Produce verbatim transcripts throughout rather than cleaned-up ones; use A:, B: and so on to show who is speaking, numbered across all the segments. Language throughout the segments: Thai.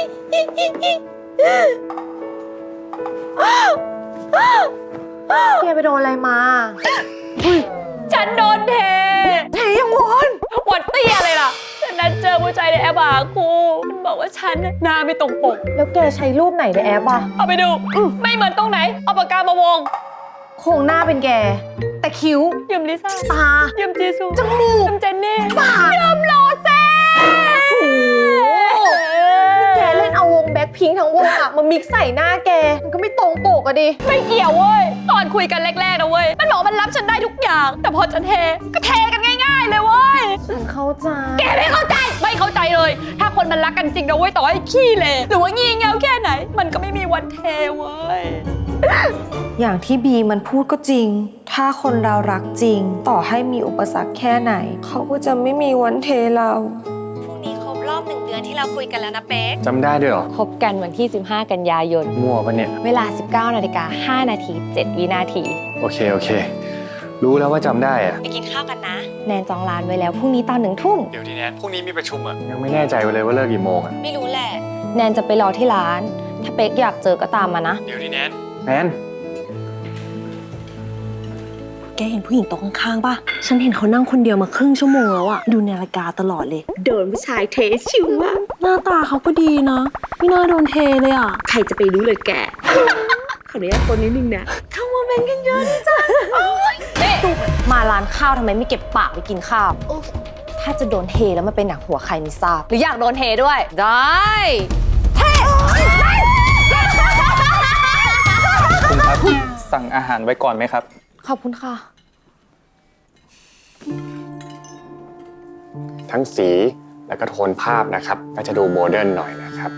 A: แกไปโดนอะไรมา
B: ฉันโดนเท
A: เทยังวอน
B: วอนเตี้ยเลยล่ะฉันนัดเจอผู้ชายในแอปหาครูมันบอกว่าฉันหน้าไม่ตรงปก
A: แล้วแกใช้รูปไหนในแอปอ่ะ
B: เอาไปดูไม่เหมือนตรงไหนเอาปากกามาวง
A: โครงหน้าเป็นแกแต่คิ้ว
B: ยิมลิซ่า
A: ตา
B: ยิมจีซู
A: จมูก
B: ยิมเจนนี่
A: ปาก
B: ยิมโรเซ่
A: แกเล่นเอาวงแบ็คพิงค์ทั้งวงอะมามิกใส่หน้าแกมันก็ไม่ตรงปกอะดิ
B: ไม่เกี่ยวเว้ยตอนคุยกันแรกๆนะเว้ยมันบอกมันรับฉันได้ทุกอย่างแต่พอจะเทก็เทกันง่ายๆเลยเว้ย
A: ฉันเข้าใจ
B: แกไม่เข้าใจไม่เข้าใจเลยถ้าคนมันรักกันจริงนะเว้ยต่อให้ขี้เลหรือว่างี่เง่าแค่ไหนมันก็ไม่มีวันเทเว้ย
A: อย่างที่บีมันพูดก็จริงถ้าคนเรารักจริงต่อให้มีอุปสรรคแค่ไหนเขาก็จะไม่มีวันเทเราพรุ่งนี้ครบรอบหนึ่งเดือนที่เราคุยกันแล้วนะเป๊ก
C: จำได้ด้วยเหรอ
B: คบกันวันที่สิบห้ากันยายน
C: มั่วปะเนี่ย
B: เวลา สิบเก้านาฬิกาห้านาทีเจ็ดวินาที
C: โอเคโอเครู้แล้วว่าจำได้อะ
A: ไปกินข้าวกันนะ
B: แนนจองร้านไว้แล้วพรุ่งนี้ตอนหนึ่งทุ่ม
C: เดี๋ยวดิแนนพรุ่งนี้มีประชุมอะยังไม่แน่ใจเลยว่าเลิกกี่โมงอะ
A: ไม่รู้แหละ
B: แนนจะไปรอที่ร้านถ้าเป๊กอยากเจอก็ตามมานะ
C: เดี๋ยวดิแนนแนน
A: แกเห็นผู้หญิงโต๊ะข้างๆป่ะฉันเห็นเขานั่งคนเดียวมาครึ่งชั่วโมงแล้วอะดูนาฬิกาตลอดเลยโดนผู้ชายเทชิวอะหน้าตาเขาก็ดีนะไม่น่าโดนเทเลยอะใครจะไปรู้เลยแกขออนุญาตคนนิดนึงนะเข้ามาเมนกันเยอะจ้ะ
B: นี่มาร้านข้าวทำไมไม่เก็บปากไปกินข้าวถ้าจะโดนเทแล้วมันเป็นหนังหัวใครไม่ทราบหรืออยากโดนเทด้วยได้เท
C: คุณครับสั่งอาหารไว้ก่อนไหมครับ
B: ขอบคุณค่ะ
C: ทั้งสีแล้วก็โทนภาพนะครับก็จะดูโมเดิร์นหน่อยนะครับ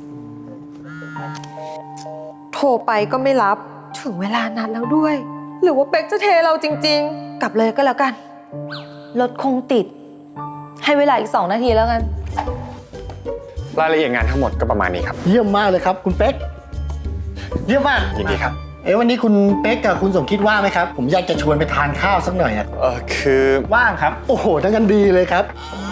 A: โทรไปก็ไม่รับถึงเวลานัดแล้วด้วยหรือว่าเป๊กจะเทเราจริงๆกลับเลยก็แล้วกันรถคงติดให้เวลาอีกสองนาทีแล้วกัน
C: รายละเอียดงานทั้งหมดก็ประมาณนี้ครับ
D: เยี่ยมมากเลยครับคุณเป๊กเยี่ยมมาก
C: ยินดีครับ
D: เอ๊ะวันนี้คุณเป๊กกับคุณสมคิดว่างไหมครับผมอยากจะชวนไปทานข้าวสักหน่อยอ่ะ
C: เออคือ
D: ว่างครับโอ้โหทั้งกันดีเลยครับ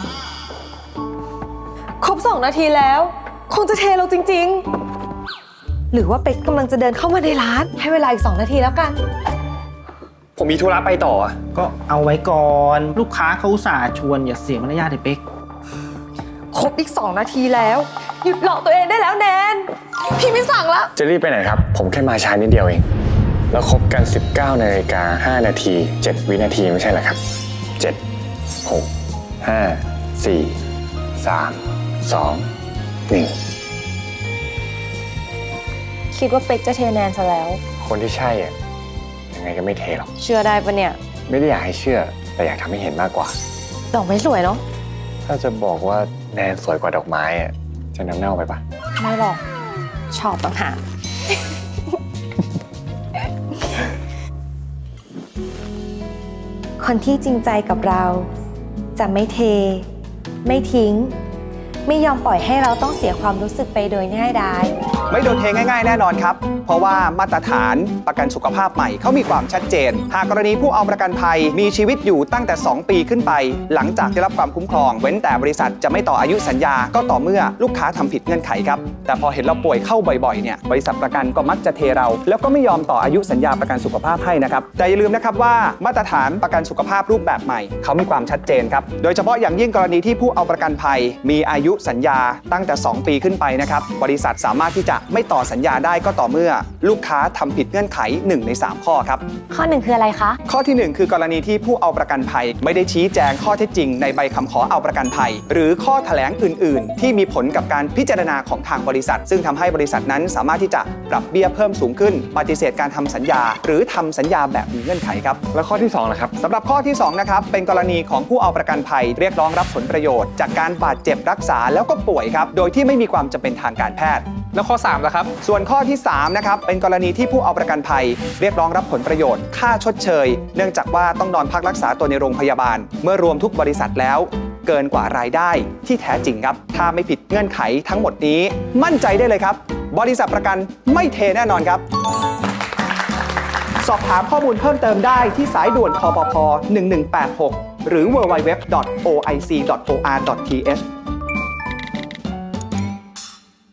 A: ครบสองนาทีแล้วคงจะเทเราจริงๆหรือว่าเป๊กกำลังจะเดินเข้ามาในร้านให้เวลาอีกสองนาทีแล้วกัน
C: ผมมีธุระไปต่อ
D: ก็เอาไว้ก่อนลูกค้าเขาอุตส่าห์ชวนอย่าเสียมารยาทเลยเป๊ก
A: ครบอีกสองนาทีแล้วหยุดหลอกตัวเองได้แล้วแนนพี่ไม่สั่งแล้ว
C: จะรีบไปไหนครับผมแค่มาช้านิดเดียวเองแล้วครบกันสิบเก้านาฬิกาห้านาทีเจ็ดวินาทีไม่ใช่เหรอครับเจ็ด หก ห้า สี่ สาม สอง หนึ่ง
B: คิดว่าเป็กจะเทแนนซะแล้ว
C: คนที่ใช่อ่ะยังไงก็ไม่เทหรอก
B: เชื่อได้ปะเนี่ย
C: ไม่ได้อยากให้เชื่อแต่อยากทำให้เห็นมากกว่า
A: ดอกไม้สวยเนาะ
C: ถ้าจะบอกว่าแนนสวยกว่าดอกไม้อ่ะจะน้ำเน่าไปปะ
B: ไม่หรอกชอบต่างหาก
A: คนที่จริงใจกับเราจะไม่เทไม่ทิ้งไม่ยอมปล่อยให้เราต้องเสียความรู้สึกไปโดยง่ายดาย
E: ไม่โดนเทง่ายๆแน่นอนครับเพราะว่ามาตรฐานประกันสุขภาพใหม่เขามีความชัดเจนหากกรณีผู้เอาประกันภัยมีชีวิตอยู่ตั้งแต่สองปีขึ้นไปหลังจากได้รับความคุ้มครองเว้นแต่บริษัทจะไม่ต่ออายุสัญญาก็ต่อเมื่อลูกค้าทำผิดเงื่อนไขครับแต่พอเห็นเราป่วยเข้าบ่อยๆเนี่ยบริษัทประกันก็มักจะเทเราแล้วก็ไม่ยอมต่ออายุสัญญาประกันสุขภาพให้นะครับแต่อย่าลืมนะครับว่ามาตรฐานประกันสุขภาพรูปแบบใหม่เขามีความชัดเจนครับโดยเฉพาะอย่างยิ่งกรณีที่ผู้เอาประกันภัยมีอายุสัญญาตั้งแต่สองปีขึ้นไปนะครับบริษัทสามารถที่จะไม่ต่อสัญญาได้ก็ต่อเมื่อลูกค้าทำผิดเงื่อนไขหนึ่งในสามข้อครับ
B: ข้อหนึ่งคืออะไรคะ
E: ข้อที่หนึ่งคือกรณีที่ผู้เอาประกันภัยไม่ได้ชี้แจงข้อเท็จจริงในใบคำขอเอาประกันภัยหรือข้อแถลงอื่นๆที่มีผลกับการพิจารณาของทางบริษัทซึ่งทำให้บริษัทนั้นสามารถที่จะปรับเบี้ยเพิ่มสูงขึ้นปฏิเสธการทำสัญญาหรือทำสัญญาแบบมีเงื่อนไขครับ
C: แล้วข้อที่สองล่ะครับ
E: สำหรับข้อที่สองนะครับเป็นกรณีของผู้เอาประกันภัยเรียกร้องรับผลประโยชน์จากการบาดเจ็บรักษาแล้วก็ป่วยครับโดยที่ไม่มีความจำเป็นทางการแพทย์
C: แล้วข้อสามล่ะครับ
E: ส่วนข้อที่สามนะครับเป็นกรณีที่ผู้เอาประกันภัยเรียกร้องรับผลประโยชน์ค่าชดเชยเนื่องจากว่าต้องนอนพักรักษาตัวในโรงพยาบาลเมื่อรวมทุกบริษัทแล้วเกินกว่ารายได้ที่แท้จริงครับถ้าไม่ผิดเงื่อนไขทั้งหมดนี้มั่นใจได้เลยครับบริษัทประกันไม่เทแน่นอนครับสอบถามข้อมูลเพิ่มเติมได้ที่สายด่วนคปภหนึ่งหนึ่งแปดหกหรือ ดับเบิลยู ดับเบิลยู ดับเบิลยู ดอท โอ ไอ ซี ดอท โอ อาร์ ดอท ที เอช